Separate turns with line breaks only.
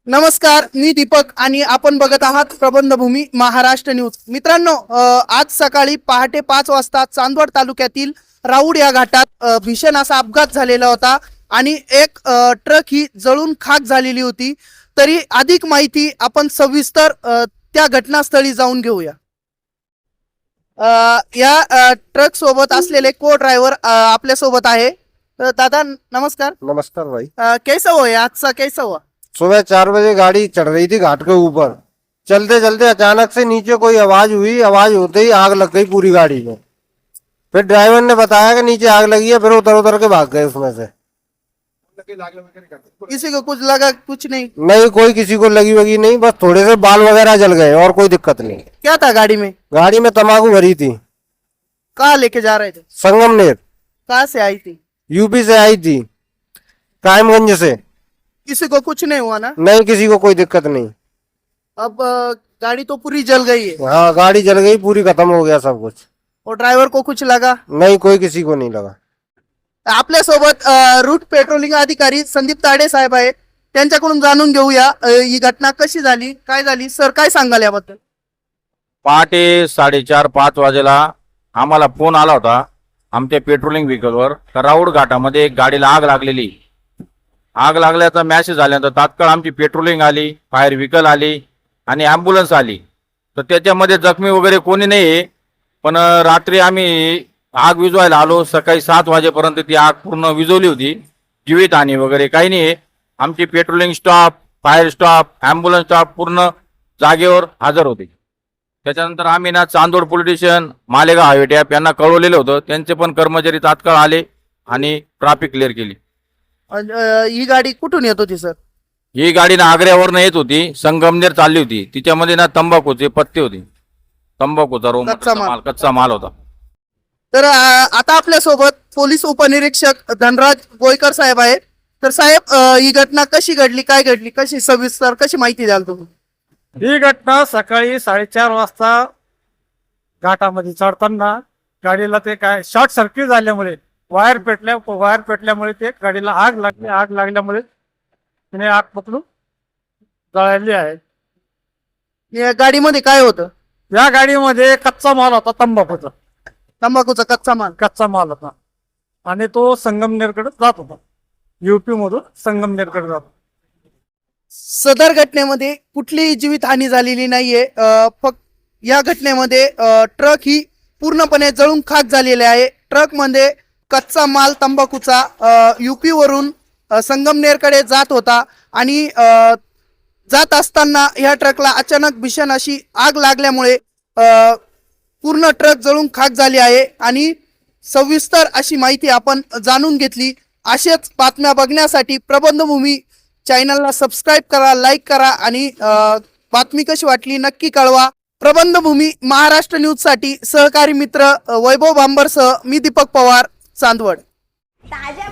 नमस्कार, मी दीपक आणि आपण बघत आहात प्रबंधभूमी महाराष्ट्र न्यूज। मित्रांनो, आज सकाळी पहाटे 5 वाजता चांदवड तालुक्यातील राऊड या घाटात भीषण असा अपघात झालेला होता आणि एक ट्रक ही जळून खाक झालेली होती। तरी अधिक माहिती आपण सविस्तर त्या घटनास्थळी जाऊन घेऊया। या ट्रक सोबत असलेले को ड्रायव्हर आपल्या सोबत आहे। दादा नमस्कार।
नमस्कार भाई।
कैसा हुआ ये हादसा, कैसा हुआ?
सुबह 4 बजे गाड़ी चढ़ रही थी घाट के ऊपर, चलते चलते अचानक से नीचे कोई आवाज हुई। आवाज होते ही आग लग गई पूरी गाड़ी में। फिर ड्राइवर ने बताया कि नीचे आग लगी है, फिर उतर उतर के भाग गए उसमें से।
किसी को कुछ लगा? कुछ नहीं।
नहीं, कोई किसी को लगी वगी नहीं, बस थोड़े से बाल वगैरह जल गए और कोई दिक्कत नहीं।
क्या था गाड़ी में?
गाड़ी में तंबाकू भरी थी।
कहाँ लेके जा रहे थे?
संगमनेर,
कहाँ से आई थी?
यूपी से आई थी, कायमगंज से।
किसी को कुछ नहीं हुआ ना?
नहीं, किसी को कोई दिक्कत नहीं।
अब गाड़ी तो पूरी जल गई है
हाँ, गाड़ी जल गई पूरी, खत्म हो गया सब कुछ।
और ड्राइवर को कुछ लगा?
नहीं, कोई किसी को नहीं लगा।
आपल्या सोबत रूट पेट्रोलिंग अधिकारी संदीप ताडे साहेब आहेत, त्यांच्याकडून जाणून घेऊया ही घटना कशी झाली, काय झाली। सर, काय सांगाल याबद्दल?
पहाटे 4:30-5 वाजेला आम्हाला फोन आला होता आमच्या पेट्रोलिंग व्हेकलवर तर राऊड घाटामध्ये एक गाडीला आग लागलेली। आग लागल्याचा मेसेज आल्यानंतर तात्काळ आमची पेट्रोलिंग आली, फायर व्हेकल आली आणि ॲम्ब्युलन्स आली। तर त्याच्यामध्ये जखमी वगैरे कोणी नाही, पण रात्री आम्ही आग विझवायला आलो। सकाळी 7 वाजेपर्यंत ती आग पूर्ण विझवली होती, जीवितहानी वगैरे काही नाही। आमची patrolling staff, fire staff, ambulance staff पूर्ण जागेवर हजर होते। त्याच्यानंतर आम्ही ना Chandod police station, Malegaon highway टॅप यांना कळवलेलं होतं, त्यांचे पण कर्मचारी तात्काळ आले आणि ट्रॅफिक क्लिअर केली।
ही गाडी कुठून येत होती सर?
ही गाडी ना आग्र्यावरनं येत होती, संगमनेर चालली होती। तिच्यामध्ये ना तंबाखूचे पत्ते होते, तंबाखूचा कच्चा माल होता।
तर आता आपल्या सोबत पोलीस उपनिरीक्षक धनराज गोयकर साहेब आहेत। तर साहेब, ही घटना कशी घडली, काय घडली, कशी सविस्तर कशी माहिती द्याल तुम्ही?
ही घटना सकाळी 4:30 वाजता घाटामध्ये चढताना गाडीला ते काय शॉर्ट सर्किट झाल्यामुळे वायर पेटल्यामुळे ते गाडीला आग लागली। आग लागल्यामुळे तिने आग पकडून जळाली आहे।
या गाडीमध्ये काय होतं?
या गाडीमध्ये कच्चा माल होता,
तंबाखूचा कच्चा माल
होता आणि तो संगमनेरकडे जात होता, यूपी मधून संगमनेरकडे जात होता।
सदर घटनेमध्ये कुठलीही जीवितहानी झालेली नाहीये। फक्त या घटनेमध्ये ट्रक ही पूर्णपणे जळून खाक झालेली आहे। ट्रक मध्ये कच्चा माल तंबाखूचा यूपी वरून संगमनेरकडे जात होता आणि जात असताना या ट्रकला अचानक भीषण अशी आग लागल्यामुळे पूर्ण ट्रक जळून खाक झाली आहे आणि सविस्तर अशी माहिती आपण जाणून घेतली। अशाच बातम्या बघण्यासाठी प्रबंधभूमी चॅनलला सबस्क्राईब करा, लाईक करा आणि बातमी कशी वाटली नक्की कळवा। प्रबंधभूमी महाराष्ट्र न्यूज साठी सहकारी मित्र वैभव भांबरसह मी दीपक पवार, चांदवड।
ताज्या